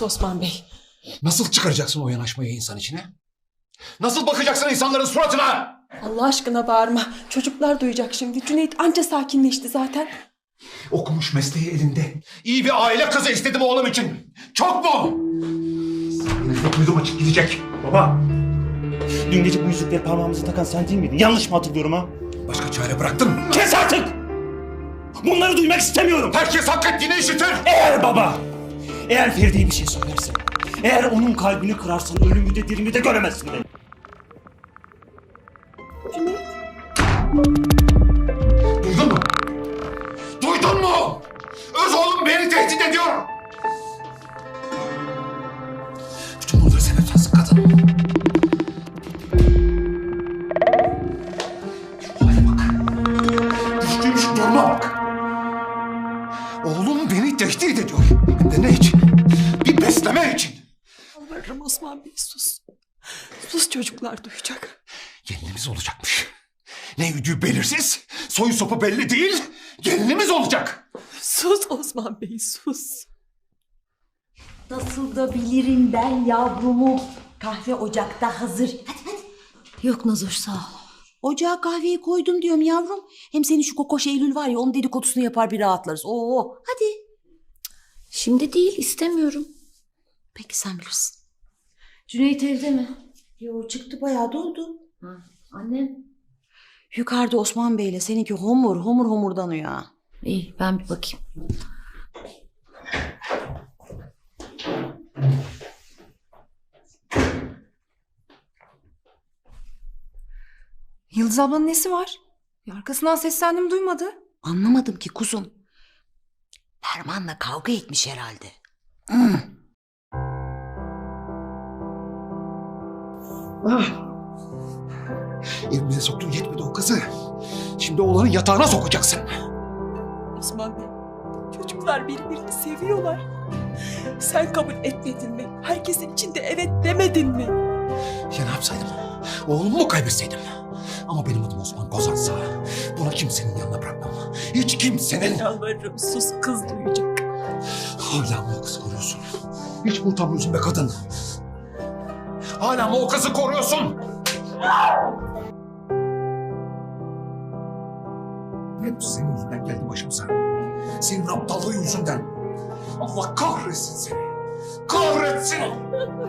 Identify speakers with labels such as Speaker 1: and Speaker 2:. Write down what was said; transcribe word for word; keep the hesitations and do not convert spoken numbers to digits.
Speaker 1: sus Osman Bey.
Speaker 2: Nasıl çıkaracaksın o yanaşmayı insan içine? Nasıl bakacaksın insanların suratına?
Speaker 1: Allah aşkına bağırma. Çocuklar duyacak şimdi. Cüneyt anca sakinleşti zaten.
Speaker 2: Okumuş, mesleği elinde. İyi bir aile kızı istedim oğlum için. Çok mu? Yine duydum açık gidecek.
Speaker 3: Baba, dün gece bu yüzükleri parmağımıza takan sen değil miydin? Yanlış mı hatırlıyorum ha?
Speaker 2: Başka çare bıraktın mı?
Speaker 3: Kes artık! Bunları duymak istemiyorum.
Speaker 2: Herkes hak ettiğini işitir.
Speaker 3: Eğer baba, eğer Feride'ye bir şey söylersen, eğer onun kalbini kırarsan ölümü de dirimi de göremezsin beni.
Speaker 1: Cüneyt.
Speaker 2: Duydun mu? Duydun mu? Öz oğlum beni tehdit ediyor. Bütün bunları sen yapacaksın kadın. Şu hale bak. Düştüğüm şu duruma bak. Oğlum beni tehdit ediyor. Hem de ne için? Bir besleme için.
Speaker 1: Yalvarırım Osman Bey sus. Sus çocuklar duyacak.
Speaker 2: Gelinimiz olacakmış. Ne yüdüğü belirsiz, soyu sopu belli değil, gelinimiz olacak.
Speaker 1: Sus Osman Bey sus.
Speaker 4: Nasıl da bilirim ben yavrumu. Kahve ocakta hazır. Hadi hadi.
Speaker 5: Yok Nazoş sağ ol.
Speaker 4: Ocağa kahveyi koydum diyorum yavrum. Hem senin şu kokoş Eylül var ya onun dedikodusunu yapar bir rahatlarız. Oo hadi.
Speaker 5: Şimdi değil istemiyorum.
Speaker 4: Peki sen bilirsin.
Speaker 5: Cüneyt evde mi?
Speaker 4: Yo çıktı bayağı doldu.
Speaker 5: Ha, annem.
Speaker 4: Yukarıda Osman Bey'le seninki homur homur homurdanıyor ha.
Speaker 5: İyi ben bir bakayım.
Speaker 6: Yıldız ablanın nesi var? Ya arkasından seslendim duymadı.
Speaker 4: Anlamadım ki kuzum. Ferman'la kavga etmiş herhalde. Hmm.
Speaker 2: Ah. Evimize soktun yetmedi o kızı. Şimdi oğlanın yatağına sokacaksın.
Speaker 1: Osman Bey. Çocuklar birbirini seviyorlar. Sen kabul etmedin mi? Herkesin içinde evet demedin mi?
Speaker 2: Ya ne yapsaydım? Oğlumu mu kaybetseydim? Ama benim adım Osman Kozansa bunu kimsenin yanına bırakmam. Hiç kimsenin.
Speaker 1: Yalvarırım sus kız duyacak.
Speaker 2: Hala mı o kızı koruyorsun? Hiç mi utanmıyorsun be kadın? Hala mı o kızı koruyorsun? Hep senin yüzünden geldi başımıza. Senin aptallığın yüzünden. Allah kahretsin seni. Kahretsin.